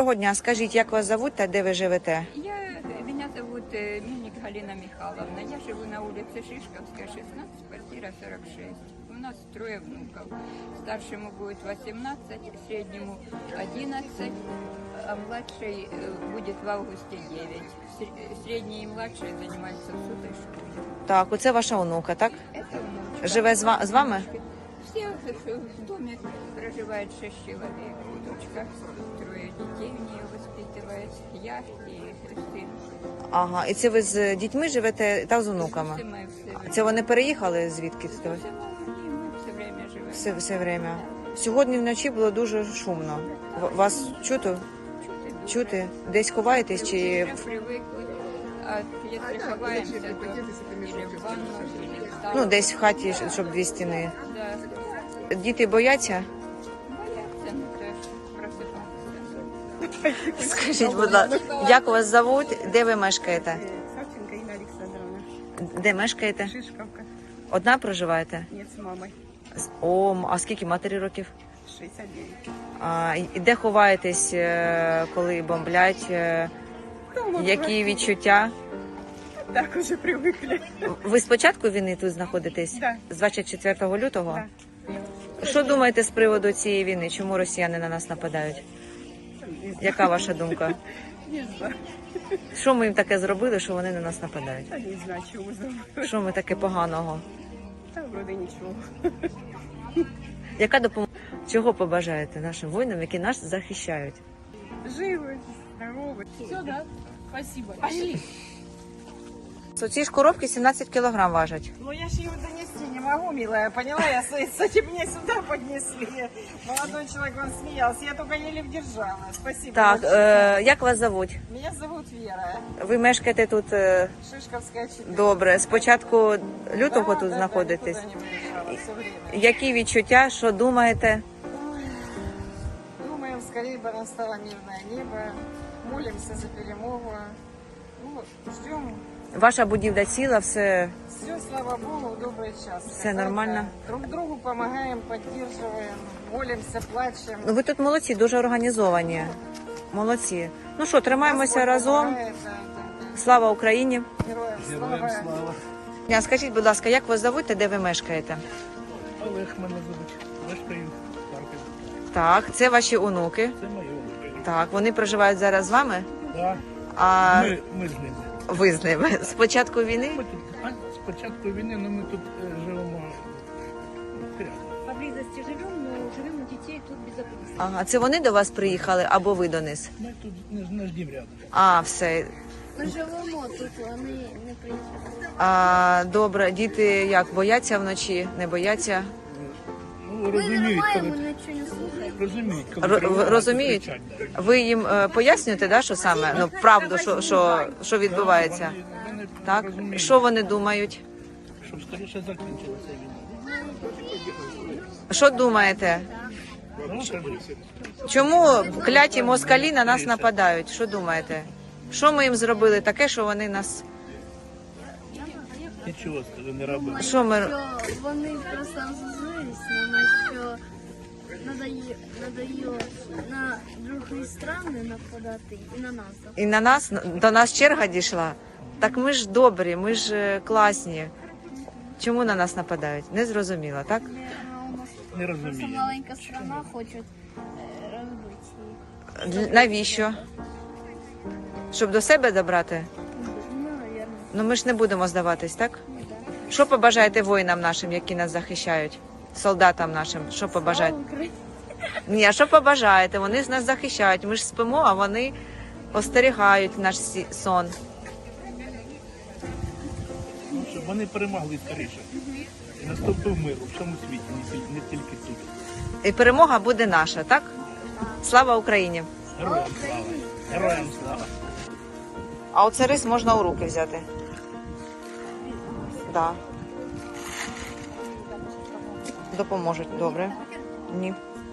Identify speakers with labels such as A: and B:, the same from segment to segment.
A: Доброго дня. Скажіть, як вас зовуть та де ви живете?
B: Меня зовут Мельник Галина Михайловна. Я живу на улице Шишковская, 16, квартира 46. У нас трое внуков. Старшему будет 18, среднему 11, а младший будет в августе 9. Средний и младший занимаются в сутой школе.
A: Так, оце ваша онука, так?
B: Это внучка.
A: Живе з вами?
B: Все в доме проживает 6 человек. Дочка, трое детей у нее воспитывает. Я и сын.
A: Ага, і це ви з дітьми живете та з онуками?
B: Все мы все
A: Це вони переїхали звідки?
B: Все время живем.
A: Все время. Сьогодні вночі було дуже шумно. Вас чути? Чути? Десь ховаєтесь чи...
B: Уже привыкли. А если ховаемся, то или в ванну, или в
A: Ну,
B: столовую.
A: десь в хаті, щоб дві стіни.
B: Да.
A: Діти бояться?
B: Боятся, ну теж просыпаться.
A: Скажіть, будь ласка, як вас зовуть, де ви мешкаєте?
C: Савченко Инна Александровна.
A: Де мешкаєте?
C: Шишковка.
A: Одна проживаєте?
C: Нет, с мамой.
A: А скільки матері років?
C: 69.
A: І де ховаєтесь, коли бомблять?
C: Дома
A: Які відчуття?
C: Так уже привыкли.
A: Ви з початку війни тут знаходитесь?
C: Да.
A: З 24 лютого?
C: Да.
A: Що думаєте з приводу цієї війни? Чому росіяни на нас нападають? Яка ваша думка?
C: Не знаю.
A: Що ми їм таке зробили, що вони на нас нападають?
C: Да не знаю, чего зовут.
A: Що ми таке поганого?
C: Да вроде ничего.
A: Яка допомога? Чого побажаєте нашим воїнам, які нас захищають?
C: Живы, здоровы.
D: Все, да? Спасибо. Пошли.
A: Ці ж коробки 17 кілограм важать.
C: Ну я ж его донести не могу, милая, поняла? Я с этим мне сюда поднесли. Молодой человек, он смеялся, я только еле вдержала. Спасибо.
A: Так,
C: большое.
A: як вас зовуть?
C: Меня зовут Вера.
A: Ви мешкаєте тут
C: Шишковская 4.
A: добре. З початку лютого тут знаходитесь.
C: никуда не выезжала, все время.
A: Які відчуття, що думаєте?
C: Думаем, скорее бы настало мирное небо. Молимся за перемогу. Ну, ждем.
A: Ваша будівля ціла, все
C: Все, слава Богу, в добрый час.
A: Все нормально?
C: Друг другу помогаем, поддерживаем, молимся, плачем.
A: Ну, ви тут молодці, дуже організовані. Молодці. Ну що, тримаємося
C: Господь
A: разом.
C: помогает, да.
A: Слава Україні.
C: Героям слава.
A: Скажіть, будь ласка, як вас зовуть та де ви мешкаєте?
E: Олег мене звуть. Мешкаю в Харкові.
A: Так, це ваші онуки.
E: Це моє онуки.
A: Так, вони проживають зараз з вами.
E: Да.
A: А
E: Ми з ними.
A: ви з ними з початку війни?
E: Ми тут з початку війни, ну ми тут живемо рядом.
D: Поблизости живем, но живем у детей тут безопасно.
A: Ага, це вони до вас приїхали або ви до них?
E: Ми тут наш дім рядом.
A: А, все.
D: Ми живемо тут, вони не приїхали.
A: А, добре, діти як бояться вночі, не бояться?
E: Ну, розуміють, коли,
D: Ми нічого не слухаємо.
E: розуміють, коли
A: Ро-
E: тривога,
A: розуміють?
E: то кричать, да.
A: Ви їм пояснюєте, да, що саме? Ну, правду, що відбувається?
E: Вони
A: Так?
E: розуміють,
A: Що вони думають?
E: щоб скоріше закінчилася війна.
A: Що думаєте?
E: Ну, кажи.
A: Чому кляті москалі на нас нападають? Що думаєте? Що ми їм зробили таке, що вони нас...
E: Нічого, скажи, не робили.
A: Що ми...
D: Що вони просто розозлились на нас, що надає на другі страни нападати і на нас.
A: І на нас, до нас черга дійшла? Так ми ж добрі, ми ж класні. Чому на нас нападають? Не зрозуміло, так?
E: Не розумію.
D: Маленька страна хочуть розбити їх.
A: Навіщо? Щоб до себе забрати?
D: Ну, навірно.
A: Ну ми ж не будемо здаватись, так? Що побажаєте воїнам нашим, які нас захищають? Солдатам нашим, що побажаєте? Ні, а що побажаєте? Вони ж нас захищають. Ми ж спимо, а вони остерігають наш сон.
E: Ну, щоб вони перемогли скоріше. І наступив мир у всьому світі, не тільки тут.
A: І перемога буде наша, так? Слава Україні!
E: Героям слава! Героям слава!
A: А оце рис можна у руки взяти. Да. Допоможуть, добре. Ні.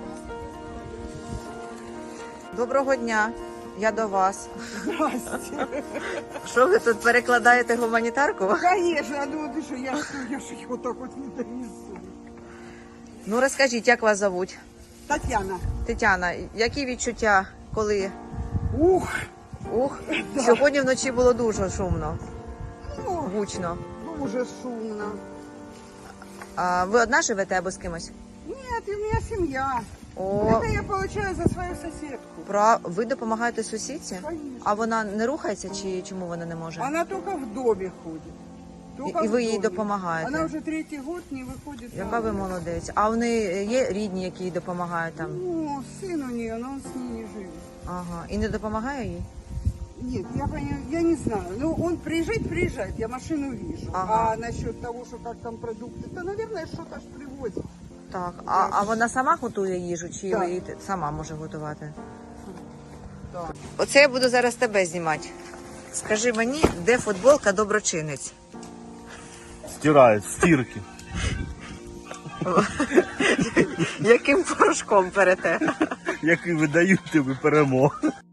A: Доброго дня. Я до вас.
C: Здрасте.
A: Що ви тут перекладаєте гуманітарку?
C: Конечно, а думаю, ты что, я ж их вот так вот не донесу.
A: Ну розкажіть, як вас зовуть?
C: Татьяна.
A: Тетяна, які відчуття, коли
C: Ух,
A: Ух, сьогодні вночі було дуже шумно,
C: ну,
A: гучно.
C: дуже шумно.
A: А ви одна живете або з кимось?
C: Нет, у меня семья.
A: О,
C: Это я получаю за свою соседку.
A: ви допомагаєте сусідці?
C: Конечно.
A: А вона не рухається чи чому вона не може?
C: Она только в доме ходит. Только
A: І
C: в
A: ви їй
C: доме.
A: допомагаєте?
C: Она уже 3-й год не выходит.
A: Яка
C: на
A: ви
C: улицу.
A: молодець. А вони є рідні, які їй допомагають там?
C: Ну, сын у нее, но он с ней не живет.
A: Ага. І не допомагає їй?
C: Нет, я не знаю. Ну, он приезжает, я машину вижу.
A: Ага.
C: А насчет того, что как там продукты, то, наверное, что-то ж привозят.
A: Так. А вона сама готує їжу, чи
C: Так.
A: ви її сама може готувати?
C: Так.
A: Оце я буду зараз тебе знімати. Скажи мені, де футболка доброчинець?
E: Стирають, стірки.
A: Яким порошком перете?
E: Який видають тобі перемог.